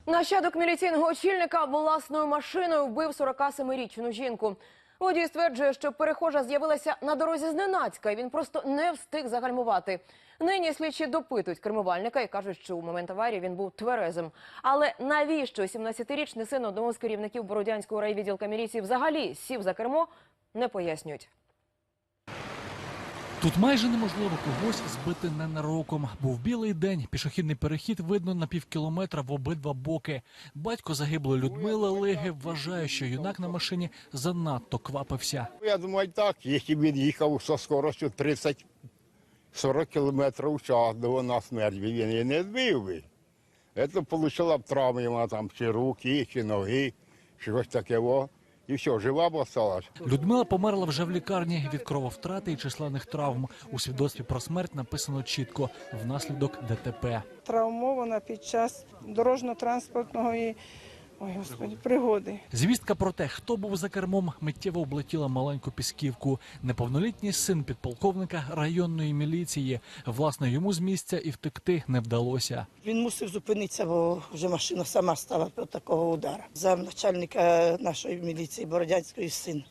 Нащадок міліційного очільника власною машиною вбив 47-річну жінку. Водій стверджує, що перехожа з'явилася на дорозі зненацька, і він просто не встиг загальмувати. Нині слідчі допитують кермувальника і кажуть, що у момент аварії він був тверезим. Але навіщо 17-річний син одного з керівників Бородянського райвідділка міліції взагалі сів за кермо, не пояснюють. Тут майже неможливо когось збити ненароком. Був білий день, пішохідний перехід видно на півкілометра в обидва боки. Батько загиблої Людмили Лиги вважає, що юнак на машині занадто квапився. Я думаю, так, якщо він їхав зі скоростю 30-40 км в час до на смерть, він її не збив би. Це отримала б травми, там, чи руки, чи ноги, щось таке. І все, жива б осталась. Людмила померла вже в лікарні від крововтрати і численних травм. У свідоцтві про смерть написано чітко – внаслідок ДТП. Травмована під час дорожньо-транспортної пригоди. Звістка про те, хто був за кермом, миттєво облетіла маленьку Пісківку. Неповнолітній син підполковника районної міліції. Власне, йому з місця і втекти не вдалося. Він мусив зупинитися, бо вже машина сама стала від такого удару. Замначальника нашої міліції Бородянської син.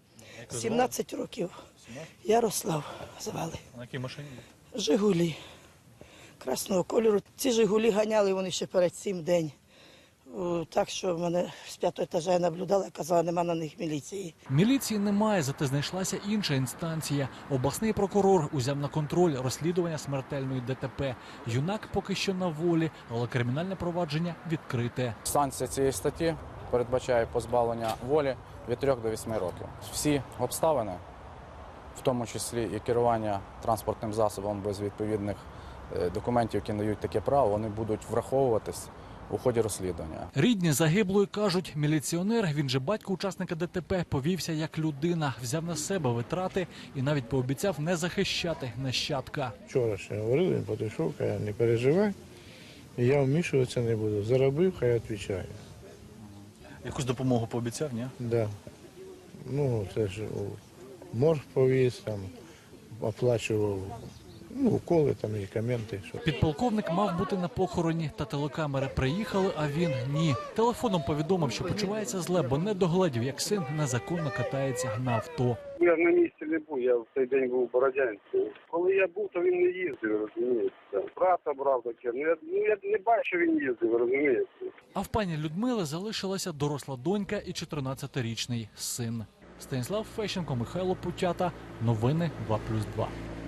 17 років. Ярослав звали. На якій машині? Жигулі. Красного кольору. Ці Жигулі ганяли вони ще перед цим день. Так що мене з 5-го етажа я наблюдала, казала, нема на них міліції. Міліції немає, зате знайшлася інша інстанція. Обласний прокурор узяв на контроль розслідування смертельної ДТП. Юнак поки що на волі, але кримінальне провадження відкрите. Санкція цієї статті передбачає позбавлення волі від 3 до 8 років. Всі обставини, в тому числі і керування транспортним засобом без відповідних документів, які надають таке право, вони будуть враховуватись у ході розслідування. Рідні загиблої кажуть, міліціонер, він же батько учасника ДТП, повівся як людина, взяв на себе витрати і навіть пообіцяв не захищати нащадка. Вчора ще говорили, він підійшов, каже, не переживай, я вмішуватися не буду. Заробив, хай відповідає. Якусь допомогу пообіцяв, ні? Да. Ну, це ж морг повіз, там, оплачував уколи, там, медикаменти. Підполковник мав бути на похороні, та телекамери приїхали, а він ні. Телефоном повідомив, що почувається зле, бо не догледів, як син незаконно катається на авто. Я на місці не був, я в цей день був у Бородянці. Коли я був, то він не їздив, розумієте. Брата брав таке, я не бачу, він їздив, розумієте. А в пані Людмили залишилася доросла донька і 14-річний син. Станіслав Фещенко, Михайло Путята. Новини 2+2.